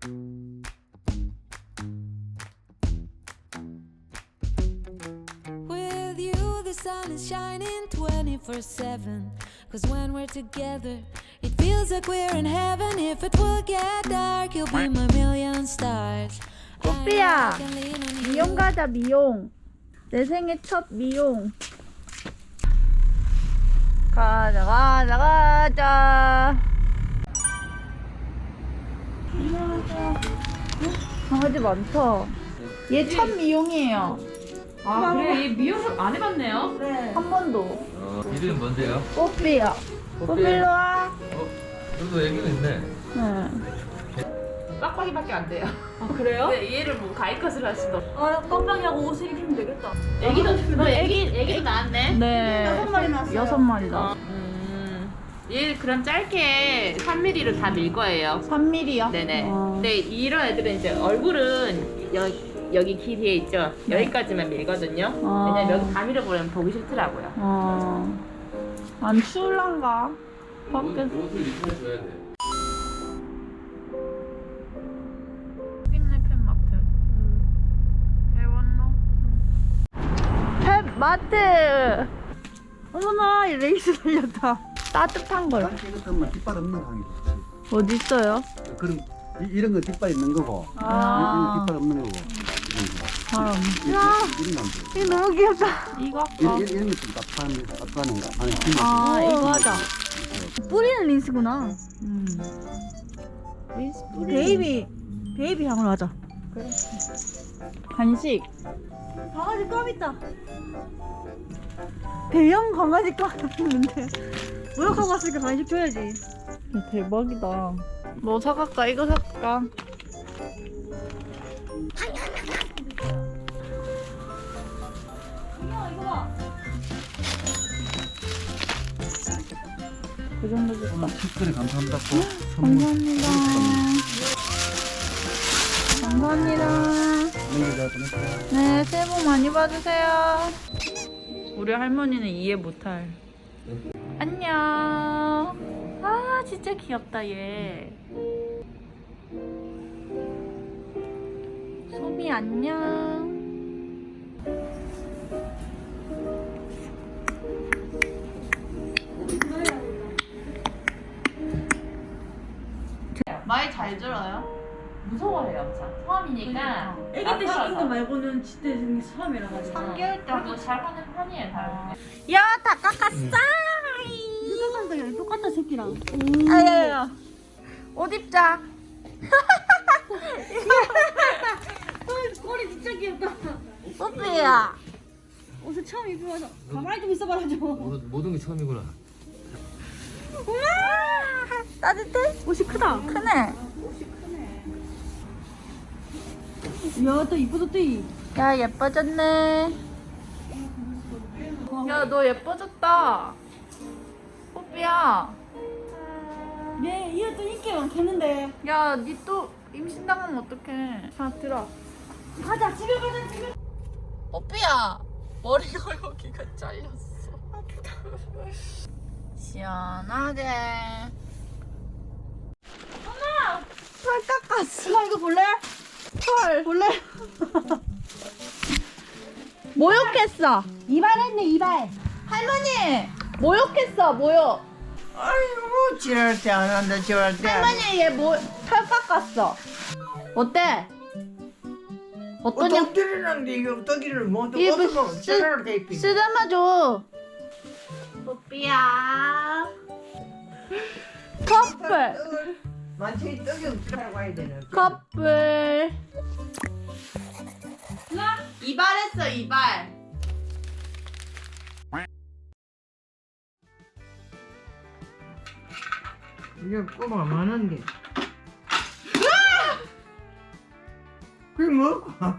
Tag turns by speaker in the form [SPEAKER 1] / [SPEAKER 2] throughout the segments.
[SPEAKER 1] With you, the sun is shining 24/7. Cause when we're together, it feels like we're in heaven. If it will get dark, you'll be my million stars.
[SPEAKER 2] 뽀삐야, 미용 가자, 미용. 내 생애 첫 미용. 가자. 강아지 많다. 얘 첫 미용이에요.
[SPEAKER 3] 아 그래, 얘 미용 안 해봤네요.
[SPEAKER 2] 한 번도.
[SPEAKER 4] 이름이 뭔데요?
[SPEAKER 2] 뽀삐야. 뽀삐 일로 와.
[SPEAKER 4] 여기도 애기가 있네.
[SPEAKER 2] 응.
[SPEAKER 3] 빡빡이밖에 안 돼요. 아 그래요? 네, 얘를 뭐 가이컷을 할 수도.
[SPEAKER 5] 아, 깜빡이하고 옷을 입히면 되겠다.
[SPEAKER 3] 애기도 낳았네.
[SPEAKER 2] 네.
[SPEAKER 5] 6마리 났어요.
[SPEAKER 2] 6마리 났어.
[SPEAKER 3] 얘 그럼 짧게 3mm로 다 밀 거예요.
[SPEAKER 2] 3mm요?
[SPEAKER 3] 네네. 근데 이런 애들은 이제 얼굴은 여기 길이에 있죠. 여기까지만 밀거든요. 왜냐면 여기 다 밀어버리면 보기 싫더라고요.
[SPEAKER 2] 안 추울란가? 밖에
[SPEAKER 4] 옷을 입혀줘야 돼.
[SPEAKER 2] 있네, 펫마트. 배웠노? 펫마트! 어머나, 이 레이스 달렸다. 따뜻한 걸.
[SPEAKER 6] 이것도 뒷발 없는 강이 좋지.
[SPEAKER 2] 어디 있어요?
[SPEAKER 6] 그럼 이런 거 뒷발 있는 거고,
[SPEAKER 2] 아.
[SPEAKER 6] 이런 거 뒷발 없는 거고.
[SPEAKER 2] 사람.
[SPEAKER 6] 이런 거 안 돼.
[SPEAKER 2] 이거 너무 귀엽다. 이거 할까?
[SPEAKER 6] 이런 것좀 따뜻한가? 아니,
[SPEAKER 2] 아, 이거 하자. 뿌리는 린스구나.
[SPEAKER 3] 린스
[SPEAKER 2] 베이비 향으로 하자. 그래. 간식.
[SPEAKER 5] 강아지 껌 있다.
[SPEAKER 2] 대형 강아지 깡 있는데.
[SPEAKER 5] 모욕하고 왔으니까 간식 줘야지.
[SPEAKER 2] 대박이다. 뭐 사갈까? 이거 사갈까?
[SPEAKER 5] 이거 봐.
[SPEAKER 2] 그 정도 줄까?
[SPEAKER 6] 특별히 감사합니다.
[SPEAKER 2] 감사합니다. 감사합니다. 네, 새해 복 많이 받으세요. 우리 할머니는 이해 못할. 안녕. 아, 진짜 귀엽다, 얘. 소미 안녕. 말 잘 들어요?
[SPEAKER 3] 무서워해요, 엄청. 처음이니까.
[SPEAKER 5] 애기 때 시킨 거 말고는 진짜 생긴 처음이라 가지고.
[SPEAKER 2] 3개월
[SPEAKER 3] 그리고 잘하는 편이에요, 다른.
[SPEAKER 2] 야, 다 깎았어!
[SPEAKER 5] 똑같다, 똑같다 새끼랑.
[SPEAKER 2] 아야야. 옷 입자.
[SPEAKER 5] 꼬리 진짜 귀엽다.
[SPEAKER 2] 뽀삐야.
[SPEAKER 5] 옷을 처음 입으면서 가만히 좀 있어봐라 좀.
[SPEAKER 4] 모든 게 처음이구나.
[SPEAKER 2] 우와, 따뜻해?
[SPEAKER 5] 옷이 크다.
[SPEAKER 2] 크네.
[SPEAKER 5] 이야, 또 이쁘졌대.
[SPEAKER 2] 야, 예뻐졌네. 야, 너 예뻐졌다. 뽀삐야.
[SPEAKER 5] 얘 또 인기 많겠는데.
[SPEAKER 2] 야, 니 또 임신당하면 어떡해. 자, 들어.
[SPEAKER 5] 가자, 집에 가자, 집에.
[SPEAKER 2] 뽀삐야, 머리가 여기가 잘렸어. 시원하게. 엄마! 털 깎았어.
[SPEAKER 5] 엄마 이거 볼래?
[SPEAKER 2] 털.
[SPEAKER 5] 볼래?
[SPEAKER 2] 모욕했어.
[SPEAKER 5] 이발했네, 이발.
[SPEAKER 2] 할머니! 모욕했어, 모욕.
[SPEAKER 7] 아이고 지랄 때 안 한다 지랄 때.
[SPEAKER 2] 할머니, 얘 털 깎았어. 어때? 어떠냐?
[SPEAKER 7] 떡들이란데 이거 떡이를 못
[SPEAKER 2] 이거
[SPEAKER 7] 얻으면 지랄 때 있지.
[SPEAKER 2] 쓰다마 줘. 뽀삐야. 커플.
[SPEAKER 7] 만천이 떡이 없으라고 해야 되는.
[SPEAKER 2] 커플. 이발했어, 이발.
[SPEAKER 7] 이게 꼬마 많은 게. 그게 뭐?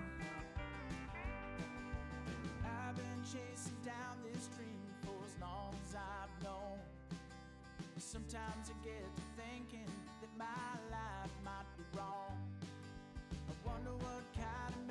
[SPEAKER 8] I've been chasing down this dream for as long as I've known. Sometimes I get to thinking that my life might be wrong. I wonder what kind of